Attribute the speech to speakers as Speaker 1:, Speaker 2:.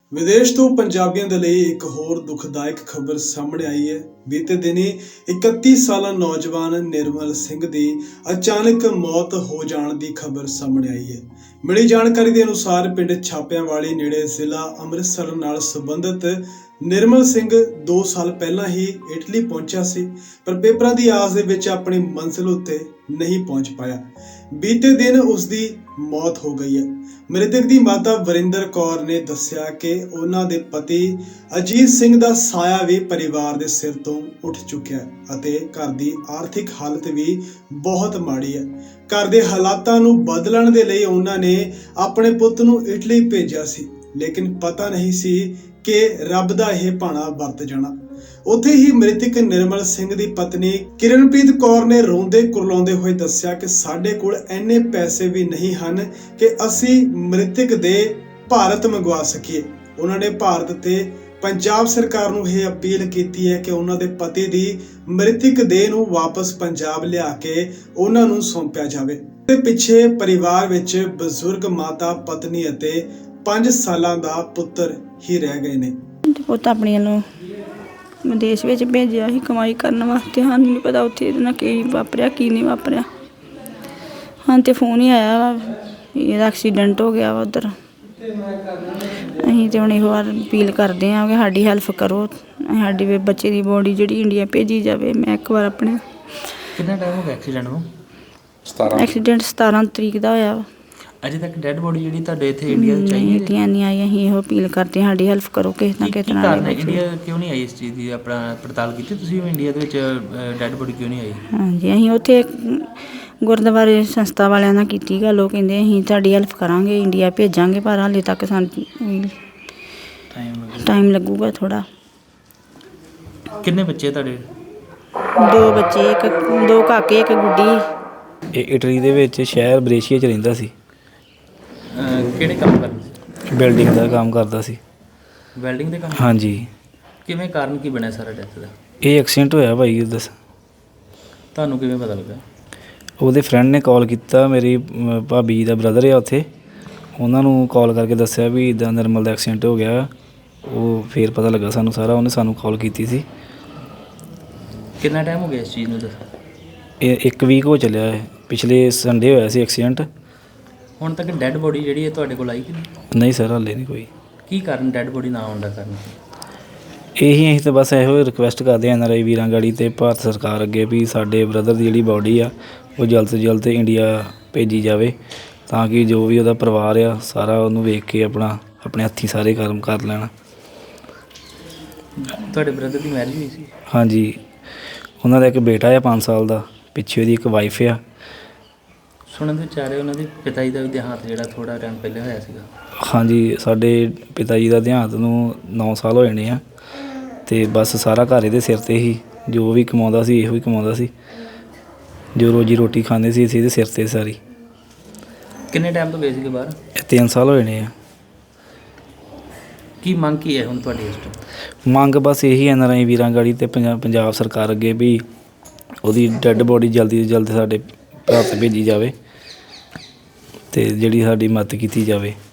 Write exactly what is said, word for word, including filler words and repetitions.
Speaker 1: विदेश तो पंजाबियों के लिए एक होर दुखदायक खबर सामने आई है। बीते दिनी इकती साल नौजवान निर्मल सिंह की अचानक मौत हो जाने की खबर सामने आई है। मिली जानकारी के अनुसार पिंड छापियांवाली नेड़े जिला अमृतसर नाल संबंधित निर्मल सिंह दो साल पहला ही इटली पहुंचा सी, पर पेपरां दी आस दे विच अपनी मंजिल उत्ते नहीं पहुंच पाया। बीते दिन उसकी मौत हो गई है। मृतक की माता वरिंदर कौर ने दस्सिया कि उन्हां दे पति अजीत सिंह दा साया भी परिवार दे सिर तो उठ चुक्या है अते घर दी आर्थिक हालत भी बहुत माड़ी है। घर दे हालातां नूं बदलण दे लई उन्हां ने अपने पुੱਤ नूं इटली भेजिया सी, लेकिन पता नहीं सी कि रब दा यह भाणा वरत जाना। उत्थे ही मृतक निर्मल सिंह दी पत्नी किरणप्रीत कौर ने रोंदे कुरलाउंदे होए दस्सिया कि साडे कोल इन्ने पैसे भी नहीं हन कि असी मृतक दे भारत मंगवा सकीए। उन्होंने भारत ते पंजाब सरकार नूं यह अपील कीती है कि उन्हां दे पति दी मृतक देह नूं वापस पंजाब लिया के उन्हां नूं सौंपिया जावे। ते पिछे परिवार विच बजुर्ग माता पत्नी अते पांच सालां दा पुत्र ही रह गए ने।
Speaker 2: पुੱਤ ਆਪਣੀ ਨੂੰ ਵਿਦੇਸ਼ ਵਿੱਚ ਭੇਜਿਆ ਸੀ ਕਮਾਈ ਕਰਨ ਵਾਸਤੇ। ਸਾਨੂੰ ਨਹੀਂ ਪਤਾ ਉੱਥੇ ਇਹਦੇ ਨਾਲ ਕੀ ਵਾਪਰਿਆ ਕੀ ਨਹੀਂ ਵਾਪਰਿਆ। ਹਾਂ ਤੇ ਫੋਨ ਹੀ ਆਇਆ ਵਾ ਇਹਦਾ ਐਕਸੀਡੈਂਟ ਹੋ ਗਿਆ ਵਾ ਉੱਧਰ। ਅਸੀਂ ਤੇ ਹੁਣ ਇਹੋ ਵਾਰ ਅਪੀਲ ਕਰਦੇ ਹਾਂ ਕਿ ਸਾਡੀ ਹੈਲਪ ਕਰੋ, ਸਾਡੀ ਬੱਚੇ ਦੀ ਬੋਡੀ ਜਿਹੜੀ ਇੰਡੀਆ ਭੇਜੀ ਜਾਵੇ। ਮੈਂ ਇੱਕ ਵਾਰ ਆਪਣੇ
Speaker 3: ਕਿੰਨਾ ਟਾਈਮ ਹੋ ਗਿਆ ਐਕਸੀਡੈਂਟ ਨੂੰ?
Speaker 2: ਸਤਾਰਾਂ ਐਕਸੀਡੈਂਟ ਸਤਾਰਾਂ ਤਰੀਕ ਦਾ ਹੋਇਆ ਵਾ।
Speaker 3: ਅਜੇ ਤੱਕ ਡੈਡ ਬੋਡੀ ਜਿਹੜੀ ਤੁਹਾਡੇ ਇੱਥੇ ਇੰਡੀਆ ਚ ਆਈ ਹੈ?
Speaker 2: ਇੰਡੀਆ ਨਹੀਂ ਆਈ। ਅਸੀਂ ਇਹੋ ਅਪੀਲ ਕਰਦੇ ਹਾਂ ਸਾਡੀ ਹੈਲਪ ਕਰੋ ਕਿਸੇ ਨਾ ਕਿਸੇ ਤਰ੍ਹਾਂ।
Speaker 3: ਇੰਡੀਆ ਕਿਉਂ ਨਹੀਂ ਆਈ ਇਸ ਚੀਜ਼ ਦੀ ਆਪਣਾ ਪੜਤਾਲ ਕੀਤੀ ਤੁਸੀਂ? ਇੰਡੀਆ ਦੇ ਵਿੱਚ ਡੈਡ ਬੋਡੀ ਕਿਉਂ ਨਹੀਂ ਆਈ? ਹਾਂਜੀ, ਅਸੀਂ ਉੱਥੇ ਗੁਰਦੁਆਰੇ ਸੰਸਥਾ ਵਾਲਿਆਂ ਨਾਲ ਕੀਤੀ ਗੱਲ। ਉਹ ਕਹਿੰਦੇ ਅਸੀਂ ਤੁਹਾਡੀ ਹੈਲਪ ਕਰਾਂਗੇ, ਇੰਡੀਆ ਭੇਜਾਂਗੇ, ਪਰ ਹਾਲੇ ਤੱਕ ਸਾਨੂੰ ਟਾਈਮ ਲੱਗੂਗਾ ਥੋੜ੍ਹਾ। ਕਿੰਨੇ ਬੱਚੇ ਤੁਹਾਡੇ?
Speaker 2: ਦੋ ਬੱਚੇ, ਇੱਕ ਦੋ ਕਾਕੇ ਇੱਕ ਗੁੱਡੀ।
Speaker 4: ਇਹ ਇਟਲੀ ਦੇ ਵਿੱਚ ਸ਼ਹਿਰ ਬਰੇਸ਼ੀਆ 'ਚ ਰਹਿੰਦਾ ਸੀ।
Speaker 3: ਕਿਹੜੇ ਕੰਮ ਕਰਦੇ ਸੀ?
Speaker 4: ਬਿਲਡਿੰਗ ਦਾ ਕੰਮ ਕਰਦਾ ਸੀ।
Speaker 3: ਵੈਲਡਿੰਗ ਦੇ ਕੰਮ? ਹਾਂਜੀ। ਕਿਵੇਂ ਕਾਰਨ ਕੀ ਬਣਿਆ ਸਾਰਾ ਡੈਥ ਦਾ? ਇਹ
Speaker 4: ਐਕਸੀਡੈਂਟ ਹੋਇਆ ਭਾਈ। ਦੱਸ
Speaker 3: ਤੁਹਾਨੂੰ ਕਿਵੇਂ ਪਤਾ ਲੱਗਾ?
Speaker 4: ਉਹਦੇ ਫਰੈਂਡ ਨੇ ਕਾਲ ਕੀਤਾ, ਮੇਰੀ ਭਾਬੀ ਦਾ ਬ੍ਰਦਰ ਆ ਉੱਥੇ, ਉਹਨਾਂ ਨੂੰ ਕਾਲ ਕਰਕੇ ਦੱਸਿਆ ਵੀ ਇੱਦਾਂ ਨਿਰਮਲ ਦਾ ਐਕਸੀਡੈਂਟ ਹੋ ਗਿਆ। ਉਹ ਫਿਰ ਪਤਾ ਲੱਗਾ ਸਾਨੂੰ ਸਾਰਾ। ਉਹਨੇ ਸਾਨੂੰ ਕਾਲ ਕੀਤੀ ਸੀ।
Speaker 3: ਕਿੰਨਾ ਟਾਈਮ ਹੋ ਗਿਆ ਇਸ ਚੀਜ਼ ਨੂੰ? ਦੱਸ।
Speaker 4: ਇਹ ਇੱਕ ਵੀਕ ਹੋ ਚੱਲਿਆ ਹੈ। ਪਿਛਲੇ ਸੰਡੇ ਹੋਇਆ ਸੀ ਐਕਸੀਡੈਂਟ।
Speaker 3: ਹੁਣ ਤੱਕ ਡੈਡ ਬੋਡੀ ਜਿਹੜੀ ਹੈ ਤੁਹਾਡੇ ਕੋਲ ਆਈ ਕਿ ਨਹੀਂ?
Speaker 4: ਨਹੀਂ ਸਰ, ਹਾਲੇ ਨਹੀਂ ਕੋਈ।
Speaker 3: ਕੀ ਕਾਰਨ ਡੈਡ ਬੋਡੀ ਨਾ ਆਉਣ ਦਾ ਕਾਰਨ?
Speaker 4: ਇਹੀ ਅਸੀਂ ਤਾਂ ਬਸ ਇਹੋ ਰਿਕੁਐਸਟ ਕਰਦੇ ਹਾਂ ਐਨ ਆਰ ਆਈ ਵੀਰਾਂ ਗਾੜੀ ਅਤੇ ਭਾਰਤ ਸਰਕਾਰ ਅੱਗੇ ਵੀ ਸਾਡੇ ਬ੍ਰਦਰ ਦੀ ਜਿਹੜੀ ਬੋਡੀ ਆ ਉਹ ਜਲਦ ਤੋਂ ਜਲਦ ਇੰਡੀਆ ਭੇਜੀ ਜਾਵੇ, ਤਾਂ ਕਿ ਜੋ ਵੀ ਉਹਦਾ ਪਰਿਵਾਰ ਆ ਸਾਰਾ ਉਹਨੂੰ ਵੇਖ ਕੇ ਆਪਣਾ ਆਪਣੇ ਹੱਥੀਂ ਸਾਰੇ ਕਰਮ ਕਰ ਲੈਣ।
Speaker 3: ਤੁਹਾਡੇ ਬ੍ਰਦਰ ਦੀ ਮੈਰਿਜ ਹੋਈ ਸੀ? ਹਾਂਜੀ।
Speaker 4: ਉਹਨਾਂ ਦਾ ਇੱਕ ਬੇਟਾ ਆ ਪੰਜ ਸਾਲ ਦਾ, ਪਿੱਛੇ ਉਹਦੀ ਇੱਕ ਵਾਈਫ ਆ।
Speaker 3: ਸੁਣਨ ਦੇ ਵਿਚਾਰੇ ਉਹਨਾਂ ਦੇ ਪਿਤਾ ਜੀ ਦਾ ਵੀ ਦੇਹਾਂਤ ਜਿਹੜਾ ਥੋੜ੍ਹਾ ਟਾਈਮ ਪਹਿਲੇ ਹੋਇਆ ਸੀਗਾ।
Speaker 4: ਹਾਂਜੀ, ਸਾਡੇ ਪਿਤਾ ਜੀ ਦਾ ਦੇਹਾਂਤ ਨੂੰ ਨੌ ਸਾਲ ਹੋ ਜਾਣੇ ਆ, ਅਤੇ ਬਸ ਸਾਰਾ ਘਰ ਇਹਦੇ ਸਿਰ 'ਤੇ ਹੀ। ਜੋ ਵੀ ਕਮਾਉਂਦਾ ਸੀ ਇਹੋ ਹੀ ਕਮਾਉਂਦਾ ਸੀ, ਜੋ ਰੋਜੀ ਰੋਟੀ ਖਾਂਦੇ ਸੀ ਅਸੀਂ ਇਹਦੇ ਸਿਰ 'ਤੇ ਸਾਰੀ।
Speaker 3: ਕਿੰਨੇ ਟਾਈਮ ਤੋਂ ਗਏ ਸੀਗੇ ਬਾਹਰ?
Speaker 4: ਇਹ ਤਿੰਨ ਸਾਲ ਹੋ ਜਾਣੇ ਆ।
Speaker 3: ਕੀ ਮੰਗ ਕੀ ਹੈ ਹੁਣ ਤੁਹਾਡੀ ਇਸ ਤੋਂ?
Speaker 4: ਮੰਗ ਬਸ ਇਹੀ ਐਨ ਆਰ ਆਈ ਵੀਰਾਂ ਗਾੜੀ ਅਤੇ ਪੰਜਾਬ ਪੰਜਾਬ ਸਰਕਾਰ ਅੱਗੇ ਵੀ ਉਹਦੀ ਡੈੱਡ ਬੋਡੀ ਜਲਦੀ ਤੋਂ ਜਲਦੀ ਸਾਡੇ ਭਾਰਤ ਭੇਜੀ ਜਾਵੇ ਅਤੇ ਜਿਹੜੀ ਸਾਡੀ ਮਦਦ ਕੀਤੀ ਜਾਵੇ।